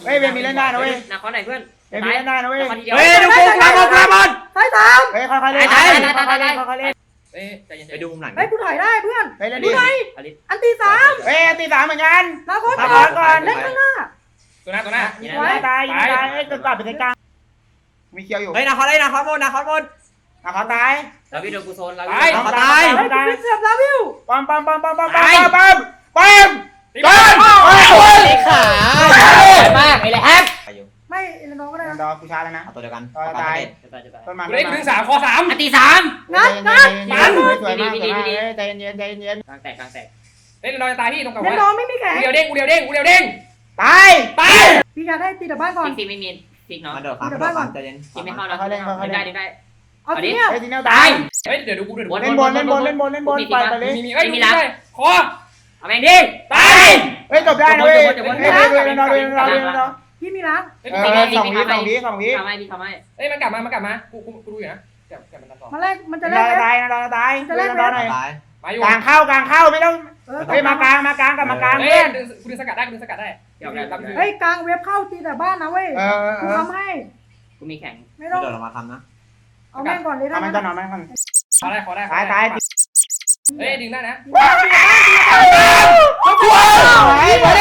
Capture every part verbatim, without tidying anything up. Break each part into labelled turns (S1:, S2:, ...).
S1: เฮ้ยเวมีเล่นได้นะเว้ย
S2: นาคอนไหนเพื่อน
S1: เวมีเล่นได้นะเว้ย
S3: เฮ้ยดูกูกลางบอลกลางบอล
S4: ถ่ายตาม
S1: เฮ้ยค่อยๆเล่นค่อยๆเล่นค่อยๆเล่นค่อยๆเล่น
S2: เอ้ยใจเย็น
S3: ไปดูมุมหลัง
S4: เฮ้ยกูถ่ายได้เพื่อน
S1: เฮ้ยเล่น
S4: ดู
S1: ดิ
S4: หน่อยอันตีสาม
S1: เฮ้ยตีสามเหมือนกัน
S4: นาคอน
S1: นาคอนก่อน
S4: เล่นข้างหน้า
S2: ตัวหน้าตัวหน้า
S1: ยิงตายยิงตายเฮ้ยกดกลับไปกลางมีเคียวอยู่
S3: เฮ้ยนาคอนเฮ้ยนาคอนบนนาคอนบน
S1: นาคอนตาย
S2: เราวิโดนกูโซนเรา
S1: ตายตาย
S4: เฮ้ยกูเสียบลาวิว
S1: ปั๊มปั๊มปั๊มปั๊มปั๊มปั๊มปั๊มปั๊ม
S2: ตี
S1: ปั๊
S2: บ้าม
S1: โอ้ย
S3: ขา
S2: มากไอ้แหละแฮก
S4: ไม่เอเลนอก็ได้
S1: ด
S4: นะ
S1: อกูชาแล้วนะ
S3: เอาตัวเดียวกัน
S2: จะตายจะตาย
S1: ต้นมัน
S2: กูได้ถึงสามคอสามอันตีสาม
S4: งัดงัด
S1: สวยมากสวยมากใจเย็นใจเย็น
S2: กลางแตกกลางแตกเฮ้ยเราจะตายที่ตรงกับ
S4: เล่น
S2: ว่า
S4: น้องไม่มีแขน
S2: กูเดียวเด้งกูเดียวเด้งกูเดียวเด้ง
S1: ตาย
S2: ตาย
S4: พี่ชายให้ตีแต่บ้านก่อน
S2: ฟิกไม่มีฟิกเนาะ
S3: มาเดือดครับเดือดครับใจเย็น
S2: ฟิกไม่เข้านะดึงได้ดึงได้
S4: เอาทีเนี้ย
S1: ไอ้ทีนี้ตาย
S2: เฮ้ยเดี๋ยวดูกูเดี๋ยว
S1: เล่นบอลเล่นบอลเล่นบอลเล่นบอลไปไปเลย
S2: มีมีเอ้ยมีได้คอเอาแม่งดิตาย
S1: เฮ้ยจบได้นะเว้ยเฮ้ยเฮ้ยเฮ้ยเฮ้ยเราเฮ้ยเราเฮ้ยเรา
S4: พี่มีล้าง
S2: เฮ้ย
S1: เออสองวิสองวิสองวิ
S2: ทำไมพี่ทำไมเฮ้ยมันกลับมามันกลับมากูกูกูดูอยู่นะกลับกลับมันต่อ
S4: มันแรกมันจะ
S1: จะ
S4: แร
S1: ได้
S4: ก
S1: ตายนะตายจะได้ตายหน่อย
S3: ตาย
S2: มาอยู่
S1: กลางเข้ากลางเข้าไม่ต้อง
S4: เออ
S1: เฮ้ยมากลางมากลางกับมากลาง
S2: เฮ้
S1: เพื่
S2: ย
S1: อน
S2: ดึงกูดึงสกัดได้กูดึงสกัดได้เดี๋ยวทำ
S4: เฮ้ยกลางเว็บเข้าตีแต่บ้านนะเว้ย
S1: เออเออ
S4: กูทำให้
S2: กูมีแข่ง
S4: ไม่
S3: ไม่
S4: ต้อง
S3: เดือดเรามาทำนะ
S4: เอาแม่งก่อนเลย
S1: ทำมัน
S4: นะ
S1: จะนอนมันก่อน
S2: ขอได้ขอได้
S1: ตายตาย
S2: เฮ้ยดึงได้นะ
S1: ว้าวไอ้บอล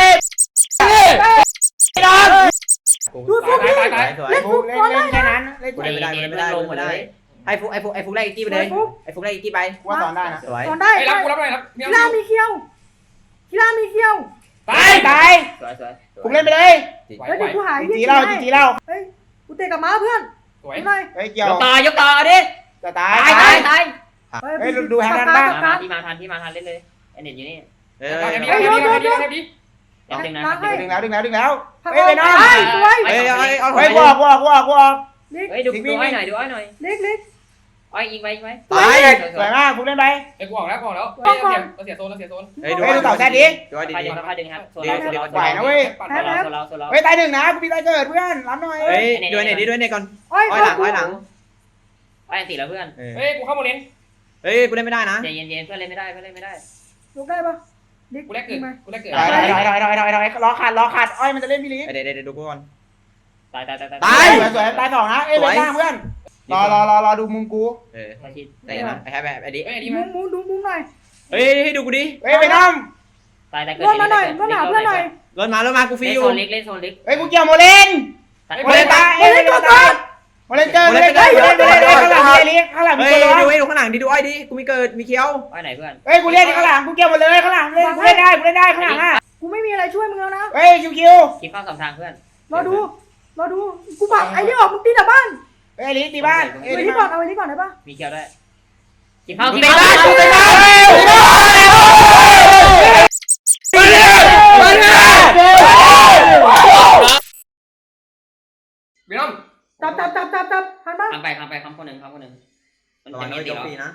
S1: นอน
S4: ดูฟุก
S2: ตาย
S4: นี่
S2: ตายตาย
S3: สวย
S4: เล่น
S1: ฟุ
S4: ฟุ
S1: ก
S4: ก
S1: เล่น
S4: ก่อน
S1: เล่
S4: ได้
S1: นแค่นั้นเล่น
S3: กูเล่นไม่ได้กูเล่นไม่ได้กูเล่นไม่ได้ไอ้ฟุกไอ้ฟุกไอ้ฟุกไล่อีกกี้ไปเลยไอ้ฟุกไล่อีกกี้ไป
S1: ว่าสอนได้นะ
S3: สวย
S4: ก่อนได้
S2: เฮ้ยรับกูรับหน่อยรับ
S4: กีฬามีเขี้ยวกีฬามีเขี้ยว
S2: ตาย
S1: ตาย
S2: สวยสวย
S1: ฟุกเล่นไปเลย
S4: เฮ้ยเดี๋ยวกูหาย
S1: จีเล่าจีเล่า
S4: เฮ้ยกูเตะกับม้าเพื่อน
S2: สวย
S4: ดูหน่อย
S1: เฮ้ยเกี่ยวย
S2: กต่อยกต่อดิ
S1: จะตาย
S2: ตายตายตาย
S1: เฮ้ยดูแฮนด์บ้าง
S2: มาที่มาทันที่มาทันเล่นเลยไอเน็ตอยู่นี่
S3: เออ
S2: ไอ้พี่ไอ้พี่ไอ้พี่ไอ้พี่ไอ้พี่ดึงนะ
S1: ดึงแล้วดึงแล้วดึงแล้ว
S4: พัก
S1: เฮ้ยไปน้อง
S4: เฮ้ยสวย
S3: เฮ้ยเอาเอา
S1: เฮ้ยบอกบอกบอกบอก
S4: เล็ก
S2: เฮ้ยดูดูอ้อยหน่อยดูอ้อยหน่อย
S4: เล็กเล็ก
S2: อ้อยยิงไปยิงไป
S3: ตาย
S1: สวยมากฟุกเล่นไป
S2: ไอ้กูออกแล้วกูออกแล้วเราเสียเราเสียโซนเราเสียโซน
S3: เฮ้ยดู
S1: เฮ้ยดูต่อแค่นี้
S3: ดูให้ดี
S2: ใคร
S3: ดี
S2: ดึงใครดึงครับโซน
S1: ไหวนะเว้ย
S2: โซนเราโซนเรา
S1: เฮ้ยตายหนึ่งนะกูมีตายเกิดเพื่อนรับหน่อย
S3: เฮ้ยดูเน็ตดีด้วยเน็ตก่อน
S4: อ้อย
S3: อ้อยหลังอ้อยหลัง
S2: อ้อยตีแล้วเพื่อน
S3: เฮ้
S2: เฮ้ยกูเข้าโมเลน
S3: เฮ้ยกูเล่นไม่ได้นะ
S2: ใจเย็นๆเพื่อนเล่นไม่ได้เพื่อนเล่นไม่ได้
S4: ลุกได้ปะเล็ก
S2: กูแรกเกิดกูแรกเกิด
S1: ถอยถอยถอยถอยถอยถอยรอขาดรอขาดอ้อยมันจะเล่นพี่ลิ
S3: เดี๋ยวเดี๋ยวดูกูก่อน
S2: ตายตายตาย
S1: ตายสวยตายสองนะเอ้ยเล่นล่างเพื่อนรอรอรอรอดูมุมกู
S3: เออ
S2: ตายชิด
S3: แต่นะไอ้แฮปไอ้ดิ
S2: เฮ้ยดี
S4: มุ
S2: มั้ย
S4: มมุมดูมุมหน่อย
S3: เฮ้ยให้ดูกูดิ
S1: เฮ้ยไปน้อง
S2: ตายตายเกิด
S4: รถมาหน่อยรถหาเพื่อนหน่อย
S3: รถมารถมากูฟรี
S2: เล่น
S3: อยู่
S2: โซนเล็กเล่นโซนเล็ก
S1: เฮ้ยกูเกี่ยวโมเลนโมเลนตายเอ้ยโมเลนตายโมเลนเจอโมเลนเจอโมเลนเจอข้างหลังมีลิข้างหลังมี
S3: เฮ้ย
S1: ตัว
S3: ดูให้ดูข้างหลังดิดูอ้อยดิกูมีเกิดมีเคี้ยว
S2: อ้อยไหนเพื่อน
S1: เฮ้ยกูเล่นข้างหลังกูเกี่ยวหมดเลยข้างหลังเล่นกูเล่นได้กูเล่นได้ข้างหลังอ่ะ
S4: กูไม่มีอะไรช่วยมึงแล้วนะ
S1: เฮ้ยคิวคิว
S2: คิดเข้าสองทางเพื่อน
S4: รอดูรอดูกูปักไอ้นี่ออกมึงตีแต่บ้าน
S1: เฮ้ยลิตีบ้าน
S4: เอา
S1: เอ้ย
S4: ไว้
S1: ลิ
S4: นี่ก่อนเอาไว้นี่ก่อนได้ปะ
S2: มีเคียวด้วยคิดเข้า
S1: ตี
S2: คิด
S1: บ้า
S2: เข้าน
S1: ตีบ้านมาเลยมาเลย
S2: พี่น้อง
S4: จับจับจับจับจับหันมา
S2: ทำไปทำไปคำคนหนึ่งคำคนหนึ่งมัน
S3: ระวั
S2: จะ
S3: ง
S2: มี
S3: โดน
S2: ตี
S3: ยก
S2: แล้ว
S3: ฟรีนะ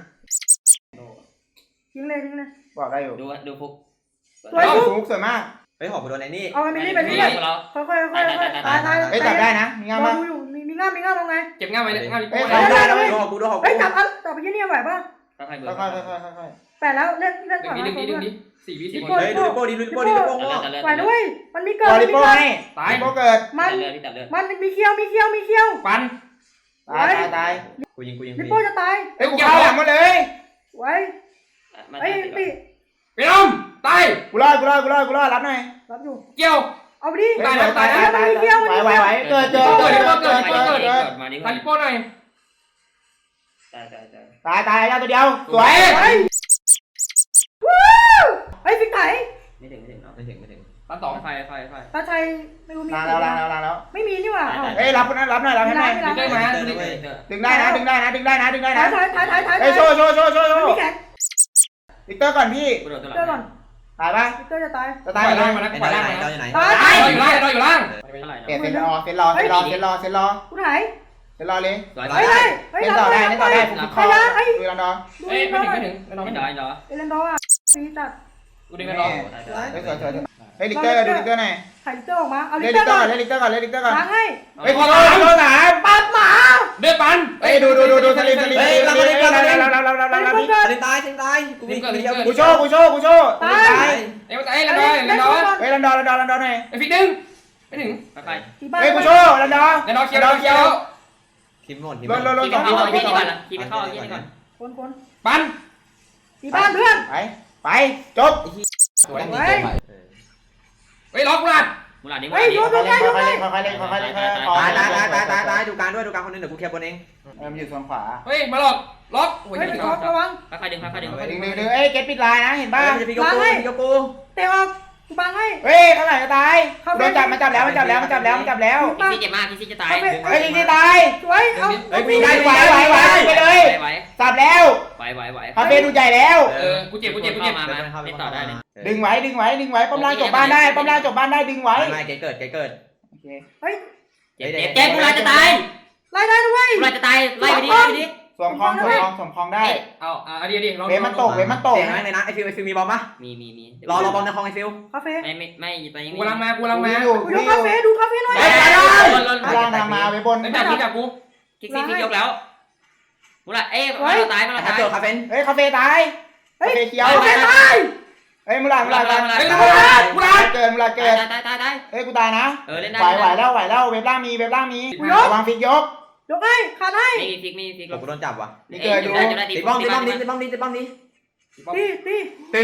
S4: ทิ้งเลยทิ้งเลย
S1: บอกได้อยู่
S2: ดูดูฟุก
S4: สวย
S1: ฟุกสวยมาก
S3: เฮ้ยหอบไปโดนไอ้นี่
S4: เอากันไปนี่ไปนี่เลยค่อยค่อยค่อยค่อยตายตาย
S1: เฮ้ยจับได้นะมีงาม
S4: รอ
S1: ปะ
S4: ดูอยู่มีมีง่ามมีง่ามลงไง
S2: เก็บง่ายไว้เลยง่าย
S1: เฮ้ย
S3: ดู
S1: ได้แล้ว
S3: หอบกูดูหอบ
S4: เฮ้ย
S3: กู
S4: จับจับไปยี่นี่ไหวปะ
S2: ค่อยๆเบิ
S1: ค่
S2: ร์
S1: อยค่อยค่อยค่อย
S4: แปดแล้วเล่นเล่น
S2: ดึ
S4: ก่อน
S2: ง
S4: นะ
S2: ดิดึงดิดึงดิสี่วิสี่คน
S3: เฮ้ยดูลิโป้ดิดูลิโป้ดิลิโป้งอก
S4: ไหวด้วยมันมีเกิ
S1: บ
S4: ด
S1: อล
S4: มี
S1: ลิโป้
S4: เกิด
S1: ให้
S2: ตาย
S1: ลิโป้เกิด
S4: มัน
S2: เลือดที่ตัดเลือด
S4: มันมีเขี้ยวมีเขี้ยวมีเขี้ยว
S2: ปัน
S1: ตายตายตาย
S3: กูยิงกูยิง
S4: ลิโป้จะตาย
S1: เฮ้ยกูเข้าหลังหมดเลย
S4: ไว้ไอ้ปี
S2: พี่น้องตาย
S1: กูรอดกูรอดกูรอดกูรอดรับหน่อย
S4: รับอยู่
S2: เกี่ยว
S4: เอาไปดิ
S1: ตายตายตายตายไหวไหวไหวเกิดเจอ
S2: เกิ
S1: เกิ
S2: ด
S1: ด
S2: เกิ
S1: เกิ
S2: ด
S1: ด
S2: เกิ
S1: เกิ
S2: ด
S1: ด
S2: เกิ
S1: เกิ
S2: ด
S1: ด
S2: มาดิคาริโป้หน่อยตายตายตาย
S1: ตายตายแล้วตัวเดียวสวย
S4: วู้ไอ้ฟิกไถ
S2: ไม่ถึงไม่ถึงเนาะ
S3: ไม่ถึงไม่ถึง
S2: ปันสองไฟไฟไฟ
S4: ตาชัยไม่รู้มี
S1: ล้างแล้วล้างแล้วล้างแล้ว
S4: ไม่มีนี่หว่า
S1: เฮ้ยรับนะรับหน่อยรับให้หน่อย
S2: ดึงได้ไหมดึงได้
S1: ดึงได้นะดึงได้นะดึงได้นะดึงได้
S4: ถ่า
S1: นะ
S4: ยถ่ายถ่ายถ่ายถ่าย
S1: เฮ้ยโชว์โชว์โชว์โชว์โช
S4: มัน
S1: ว์
S4: มีแขน
S1: วิกเตอร์ก่อนพี่
S2: กูโดนตัวห
S4: เจอก่
S2: ลั
S4: อง น
S1: ตายปะ
S4: วิกเตอร์จะตาย
S1: จะตายไหม
S2: มาแล้ว
S3: ไอ้
S2: ปล่อย
S3: ไหน
S2: ล่าง
S3: เรา
S2: มา
S3: อยู่ไหน
S2: ตายอยู่ล่างอยู่ล่างเท่าไหร่
S1: เปลี่ยนเซนรอเซนรอเซนรอเซนรอเซนรอเซนรอ
S4: กูถ่าย
S1: เซนรอเลย
S2: สวย
S4: เฮ้ยเฮ้ยเฮ้ย
S1: เล่นต่อได้เล่นต่อได้ผมคอดูรันดอ
S4: ดู
S2: เอ้ย
S4: เล่น
S2: ไม่
S4: ดอ
S2: ถึงไม่ถึงไม่ถึงไม่ถึงเหรอ
S4: เอเลนดออ่ะฟีจัด
S2: กูดึงไม่รอ
S1: เฮ้ยสวยสวยเฮ้ยลิกเตอร์ดูลิกเตอร์หน่อย
S4: ถ่ายลิกเตอร์ออกมาเอาลิ
S1: เล่น
S4: กเต
S1: ลิ
S4: อก ร์
S1: เตอ
S4: ก่
S1: ร์
S4: อน
S1: ก่อนเล่นลิกเตอร์ก่อนเล่นลิกเตอร์ก่อน
S4: ล้างให้
S1: เฮ้ยขอโทษขอโทษสาม
S4: ปัดหมา
S2: เดือดปัน
S1: เฮ้ยดูดูดูดูสลิมสลิมสลิมสลิมเราเราเราเราเราเราเรา
S3: เล่นตายเล่นตายกูมีกูมีเคี้ยว
S1: กูโชว์กูโชว์กูโชว์
S4: ตาย
S2: เอ้ยมันตายแล้วดอยแล้วดอย
S1: เฮ้ยรันดอรันดอรันดอหน่อย
S2: ไอ้ฟิกดึงไม่ถึง
S3: ไปไป
S4: ตีบ้าน
S1: เฮ้ยกูโชว์แล้วเนาะ
S2: แล้วน้องเคียวน้องเคียว
S3: ทีมหมดทีม
S1: ลนลนลน
S3: ทีม
S1: สอง
S3: เข้า
S1: สอง
S3: ทีม
S1: สอง
S3: ก่อนทีมเข้าทีมก่อน
S4: คนคน
S2: ปัน
S4: ตีบ้านเพื่อน
S1: ไปไปจบ
S2: สวย
S4: เฮ้ย
S2: เฮ้ยล็อกกูละ
S3: มูหลาดนี้มู
S4: เฮ้
S3: ห
S4: ย
S3: ลาดนี้
S4: โยน
S1: ค่อยๆเล่นค่อยๆเล่นค่อยๆเล่นค่อยๆเล่นค่อยๆเล่น
S3: ตายตายตายตายตายตายดูการด้วยดูการคนนึงเดี๋ยวกูเคลียร์บนเอง
S1: เออมันอยู่ส่วนขวา
S2: เฮ้ยมาหลอกล็อกโอ้ย
S4: เฮ้ย
S2: ไม่ถึง
S4: ท็อประวัง
S3: ค่อยๆดึงค่อยๆดึง
S1: ดึงดึงดึงเอ้ยเก็ตปิดลายนะเห็นป่ะ
S3: จะพี่โยกูพี่โยกู
S4: เตะออกกูบังให้
S1: เฮ้ยข้างหลังจะตายโดนจับมันจับแล้วมันจับแล้วมันจับแล้วมันจับแล้ว
S3: พี่ซีเจ็บมากพี่ซีจะตาย
S1: เฮ้ยลิงที่ตาย
S4: สวยเอา
S3: เฮ้ย
S1: ไหวไหวไหวไหวไปเลย
S3: ไหว
S1: จับแล้ว
S3: ไหวไหวไหว
S1: คาเฟ่ดูใหญ่แล้ว
S2: เออกูเจ็บกูเจ็บกูเจ็บ
S3: มามาเล่นต่อได้เลย
S1: ดึงไว้ดึงไว้ดึงไว้ป้อมล่างจบบ้านได้ป้อมล่างจบบ้านได้ดึงไว้
S3: ไม่ไม่เกิดเกิดเกิด
S1: โอเค
S4: เฮ้ย
S3: เจ็บเจ็บเจ็บมูหลาดจะตาย
S4: ไล่ได้ด้วย
S3: มูหลาดจะตายไล่ไปดิไล่ไปดิ
S1: สวมคลองสวมคลองสวมคลองได้
S2: เอาอ่ะอันนี้ดิลอง
S1: เวมันตกเวมันตก
S3: เสียงอะไรนะไอฟิวไอฟิวมีบอมปะมีมีมีรอรอบอมในคลองไอฟิว
S4: คาเฟ่
S3: ไม่ไม่ไม่ตอนนี้
S2: กูกำลังมากูกำลังมา
S1: อยู่
S4: กูยกคาเฟ่ดูคาเฟ่หน่อย
S3: ไปไปไป
S1: ล่างทางมาไปบน
S2: เฮ้ยจับกูจับกู
S3: คิกซี่ฟิกยกแล้วมูหลาดเอ้ยมาเราตายมาเราแฮปตายเปิลคาเฟ่น
S1: เฮ้ยคาเฟ่ตายคาเฟ่เขียว
S4: คาเฟ่ตาย
S1: เฮ้ยมูลามูลา
S2: เฮ้ย
S1: มู
S2: กู
S1: ลา
S2: รัดกูรัด
S1: เกินมูลาเกิน
S3: ตายตายตายตาย
S1: เฮ้ยกูตายนะ
S3: เออเล่นได้
S1: ไหวไหวแล้วไหวแล้วเว็บล่างมีเว็บล่างมีระวังฟิกยก
S4: ยกให้ขาดให้
S3: ไม่มีฟิกไม่มีฟิกกูโดนจับว่ะ
S1: นี่เกิดดู
S3: ตีบ้องตีบ้องตีบ้องตีบ้องตี
S4: ตีตี
S1: ตื่น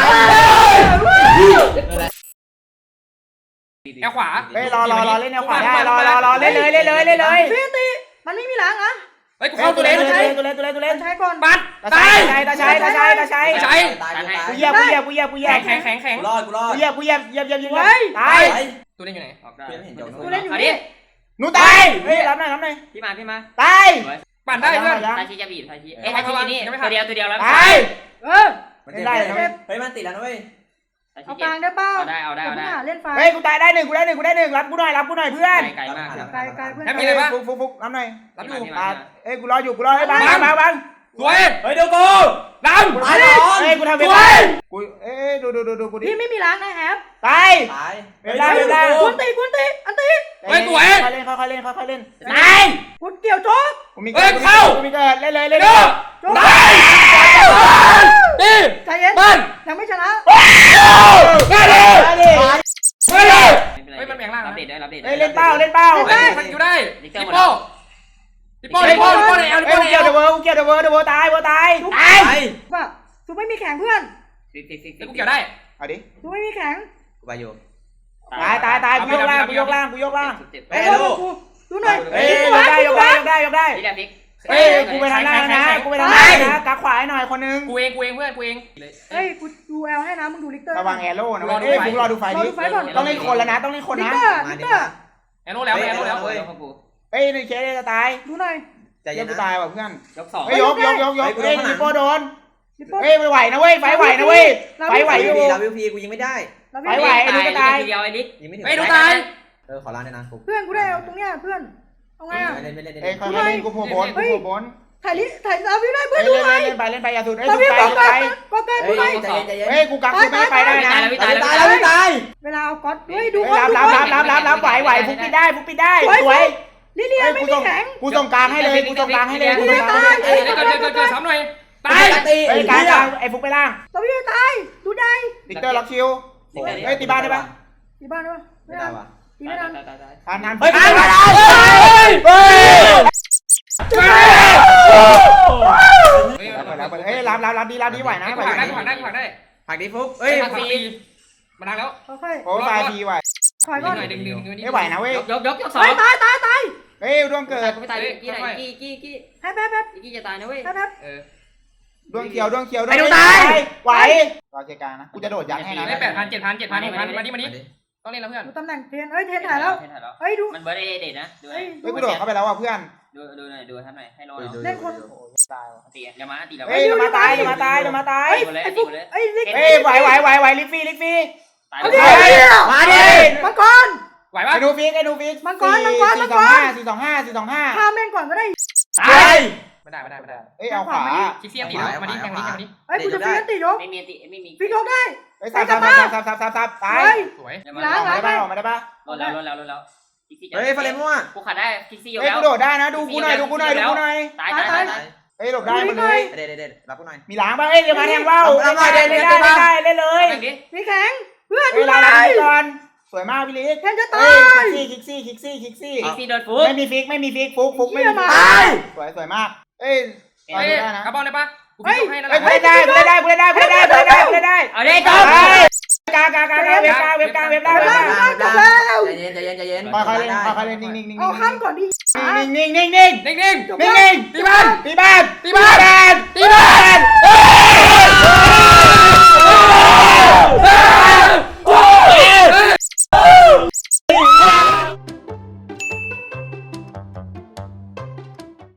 S2: แอลขวา
S1: เฮ้ยรอรอรอเล่นแนวขวาได้รอรอรอเล่นเลยเล่นเลยเล่นเลย
S4: ตีตีมันไม่มีหลังอ่ะ
S2: เฮ้ยกู
S1: เฮ้ย
S2: เข้า
S1: ตั
S2: ตัว ว
S1: เล่
S2: เล่
S1: น
S2: น
S1: ตัวเล่นตัวเล่นตัวเล่นตัวเล่น
S4: ใช้ก่อน
S2: ปัด
S1: ตา
S2: ตา
S1: ชัย
S2: ย
S1: ตาชัยตาชัยตาชัยตาชัย
S3: ตายตาย
S1: กูเหยียบกูเหยียบกูเหยียบกูเหยีย
S2: แข็
S1: บ
S2: งแข็งแข็งแข็ง
S3: กูรอดกูรอด
S1: กูเหยียบกูเหยียบเหยียบเหยียบเหยียบตาย
S2: ตัวเล่นอยู่ไหน
S3: ออกได้
S4: กูเล่นอยู่นี่
S1: หนูตายเฮ้ยรับหน่อยรับหน่อย
S3: พี่มาพี่มา
S1: ตาย
S2: ปั่นได้เพื่อน
S3: ทาชิจะบีบทาชิเอ้ยทาชินี่ตัวเดียวตัวเดียวแล้ว
S1: ตาย
S4: เออ
S1: ไม่ได้นะเว้ย
S3: เฮ้ยมันติดแล้วนะเว้ย
S4: เอากลางได้เปล่า
S3: เอาได้เอาได้เอาได้
S4: เล่นไฟ
S1: เฮ้ยกูตายได้หนึ่งกูได้หนึ่งกูได้หนึ่งรับกูหน่อยรับกูหน่อยเพื่อน
S3: ไกลมาก
S4: ไกลไกลเพื่อน
S2: แฮปปี้เลยปะ
S1: ฟุกฟุกฟุกรับหน่อย
S2: รับอยู่
S1: ตายเอ้ยกูรออยู่กูรอให้บังบังบังบัง
S2: สวย
S3: เฮ้ยเดี๋ยวกู
S2: ด
S3: ตายแล้ว
S1: เอ้ยกูทำเวลากูเอ้ยดูดูดูดูกูดิ
S4: พี่ไม่มีหลังนะแฮป
S1: ตาย
S3: ตาย
S1: เวลาเวลา
S4: คุณตีคุณตีอันตี
S1: ค่อยเล่นค่อยเล่นค่อยเล่น
S3: ตาย
S4: คุณเกี่ยวโจ๊ก
S1: กูมีเกิดกูมีเกิดเล่นเลยเล่นเลย
S4: โจ๊ก
S2: ำตี
S4: ใจเย็น
S2: ปั้น
S4: ยังไม่ชนะ
S2: ได้เลย
S1: มาดิ
S2: ได้เลยเฮ้ยมันแบ่งล่าง
S3: รับ
S2: นะ
S3: เด็ดได้รับเด็ด
S1: เฮ้ยเล่นเป้าเล่นเป้า
S2: เฮ้ยมันคิวได้ดิโป้ดิโป้ดิโป้ดิโป้ในเอลดิ
S1: เฮ้ย
S2: โป้ในเอ
S1: เกี่ยว
S2: ล
S1: เดอะเวิร์กูเกี่ยวเดอะเวิร์เดอะเวิร์ตายเวิร์ตายตาย
S4: ว่าซูไม่มีแข็งเพื่อน
S3: ฟิกฟิกฟิก
S2: แล้วกูเกี่ยวได้
S1: เอาดิ
S4: ซูไม่มีแข็ง
S3: กูไปอยู่
S1: ตายตายตายกูยกล่างกูยกล่างกูยกล่าง
S3: เฮ้ย
S4: ดูดูหน่อย
S1: เฮ้ยยกได้ยกได้ยกได้ยกได้
S3: นี่แหละฟิก
S1: เฮ้ยกูไปทางหน้านะกูไปทางหน้านะกักขวาให้หน่อยคนนึง
S2: กูเองกูเองเพื่อนกูเอง
S4: เฮ้ยกูดูแอลให้นะมึงดูลิกเตอร์
S1: ระวังแอโร่นะเฮ้ยกูรอดูไฟดิต้องเล่นคนแล้วนะต้องเล่นคน
S4: ลิก
S1: นะ
S4: เตอร์ลิกเตอร์
S2: แอนโน่แล้วแอนโน่แล้ว
S3: เฮ้ย
S1: เฮ้ยในเคสจะตาย
S4: ดูหน่อย
S3: ใจ
S1: เดี๋
S3: เย็
S1: ย
S3: น
S1: วกู
S3: นะ
S1: ตายว่ะเพื่อน
S3: ยกสอง
S1: เฮ้ยยกยกยกยกเฮ้ยลิโป้โดน
S4: ลิปโป้
S1: เฮ้ยไม่ไหวนะเว้ยไฟไหวนะเว้ยไฟไหวอยู่
S3: ลาวิวพีกูยิงไม่ได้
S4: แล้ว
S1: ไปไหว
S3: เดียวไอ้นิดยิงไม่ถึง
S2: เฮ้ยดูตาย
S3: เออขอร้านด้วยนะกู
S4: เพื่อนกูได้เอาตรงเนี้ยเพื่อนเอาไงอ่ะ
S3: เล่นเล่นเล่น
S1: เฮ้ยค่อยๆเล่นกูโผล่บนกูโผล่บน
S4: ถ่ายลิถ่ายลาวิวได้เพื่
S1: เฮ้
S4: อน
S1: ย
S4: ดู
S1: เล่น
S4: หน่อย
S1: เล่นไปเล่นไปอย่าสุดเฮ้ย
S4: ลา
S1: สุ
S4: วิ
S1: ด
S4: ว
S1: ไป
S4: ก็เกิน
S1: สุดไป
S4: ก็เกินกูหน่อย
S3: ใจเย็นใจเย็น
S1: เฮ้ยกูกักกูไม่ไปได้นะ
S3: ตายตายแล้วตาย
S4: เวลาเอาก๊อตเฮ้ยดู
S1: เฮ้ยรับรับรับรับรับรับไหวไหวฟุกปิดได้ฟุกปิดได้สวย
S4: ลิเลีย
S1: เฮ้ย
S4: ไม่
S1: กู
S4: มี
S1: ส่ง
S4: แข็ง
S1: กูส่งกลางให้เลยกูส่งกลางให้เลยกูส่งกลางให้
S2: เฮ้ยเกิดเกิดเกิดเกิดซ้ำหน่อยตาย
S1: เฮ้ยกลางกลางไอ้ฟุกไปล่าง
S4: ลาวิวตายดูได้
S1: ดิกเตอร์ล็อกคิวเฮ้ยตีบ้านได้ปะ
S4: ตีบ้านได้ปะ
S3: ไม่ได้ว่ะ
S4: ตีไม่ทัน
S1: ทานทาน
S3: เฮ้ย
S1: เฮ้ย
S3: ตาย
S1: เฮ้ย
S2: เฮ้ย
S1: เฮ้ยรับรับรับดีรับดีไหวนะ
S2: ได้
S1: ไหว
S2: ผักได้
S1: นะ
S2: ผักได้ผักได้
S3: ผักดีฟุก
S2: เฮ้
S3: เฮ้
S2: ย
S3: ย
S2: ผักฟรีมาดังแล้ว
S4: ค่อย
S1: โอ้ตายทีไหว
S4: ๆถอย
S2: ดึ
S4: ก่อง น
S2: หน่อยดึงดึงดึง
S1: ไม่ไหวนะเว้ย
S3: ยกยกยกสอง
S4: ตายตายตายตาย
S1: เฮ้ยดวงเกิด
S3: กูไม่ตายกี้ไหนกี้กี้กี้
S4: แป๊บแป๊บแป๊บ
S3: กี้จะตายนะเว้ย
S4: แป๊บแป๊บ
S2: เออ
S1: ดวงเขียวดวงเขียวไหวรอเจกานะกูจะโดดยัดให้นะ
S2: ได้แปดพันเจ็ดพันเจ็ดพันหกพันมาดิมาดิต้องเล่นแล้วเพื่อน
S4: ดูตำแหน่งเทนเฮ้ยเทนถ่ายแล้วเฮ้ยดู
S3: มันเบิร์ดเอเด็ดนะดู
S4: เฮ้ย
S1: เฮ้ยกูโดดเข้าไปแล้วว่ะเพื่อน
S3: ดูดูหน่อยดูทำหน่อยให้รอ
S4: เล่นคน
S1: ตายว่ะ
S3: ตีอย่ามาตีเรา
S1: เฮ้ยมาตายมาตายมาตาย
S4: เฮ้ยไอ้ฟุกไอ้ลิก
S1: เฮ้ยไหวไหวไหวไหวลิฟฟี่ลิฟฟี่
S3: ตาย
S4: เอาดิ
S1: มาดิ
S4: มังกร
S2: ไหวปะ
S1: ไอ้นูฟิกไอ้นูฟิกสี่สองห้าสี่สองห้าสี่สองห้า
S4: ข้ามแม่งก่อนก็ได้
S1: ตาย
S2: ไม่ได้ไม่ได้ไม่ได้
S1: เอ้ยเอาขวา
S2: คิกซี่ตีแล้วมาดิแทงนี้แทงนี้
S4: เฮ้ยกูจะฟิกติยก
S3: ไม่มีตีไม่มี
S4: ฟิกยกได้
S1: เฮ้ยสับสับสับสับสับสับตาย
S4: เฮ้ย
S2: สวย
S1: ออกมาได้ปะออกมาได้ปะ
S3: ลดแล้วลดแล้วลดแล้วคิกซี่เฮ้ยฟาเลนมั่วกูขาดได้คิกซี่ยก
S1: เฮ้ย
S3: แล้ว
S1: กูโดดได้นะดูกูหน่อยดูกูหน่อยดูกูหน่อย
S3: ตายตายตายตาย
S1: เฮ้ยหลบได้หมดเลย
S3: เด็ดเด็ดรับกูหน่อย
S1: มีหลังป่ะเอ้ยเดี๋ยวมาแทงว่าวเล่นได้เล่นได้เล่นได้เล่นเลย
S3: แทงดิ
S4: มีแข็งเพื่อน
S1: เฮ้
S4: ดู
S1: ย
S4: ห
S1: ลา
S4: น่
S1: ลา
S4: อย
S1: ก่อนสวยมากพี่ลิก
S4: แทนจะตาย
S1: คิกซี่คิกซี่คิกซี่
S3: อี
S1: คิกซี่
S3: ซี่โดนฟุก
S1: ไม่มีฟิกไม่มีฟิกฟุกฟุกไม่มีฟิกสวยสวยมากเอ้ย
S2: เฮ้ยกระบอกได้ปะกูพิจให้นั่นแห
S1: เฮ้ย
S2: ละ
S1: กูเล่นได้กูเล่นได้กูเล่นได้กูเล่นได้กูเล่นได้กูเล่นได้
S3: เอาได้จบ
S1: กากากากาเว็บกาเว็บกาเว็บได้เว็บได้
S4: จบแล้ว
S3: ใจเย็นใจเย็นใจเย็น
S1: ค่อยๆเล่นค่อยๆเล่นนิ่งๆนิ่งๆ
S4: เอาข้ามก่อนดิ
S1: นิ่งๆนิ่งๆนิ่งๆ
S2: นิ่ง
S1: นิ่งๆ
S2: ๆตีบ้าน
S1: ตีบ้าน
S2: ตีบ้าน
S1: ตีบ้าน
S2: ตีบ้าน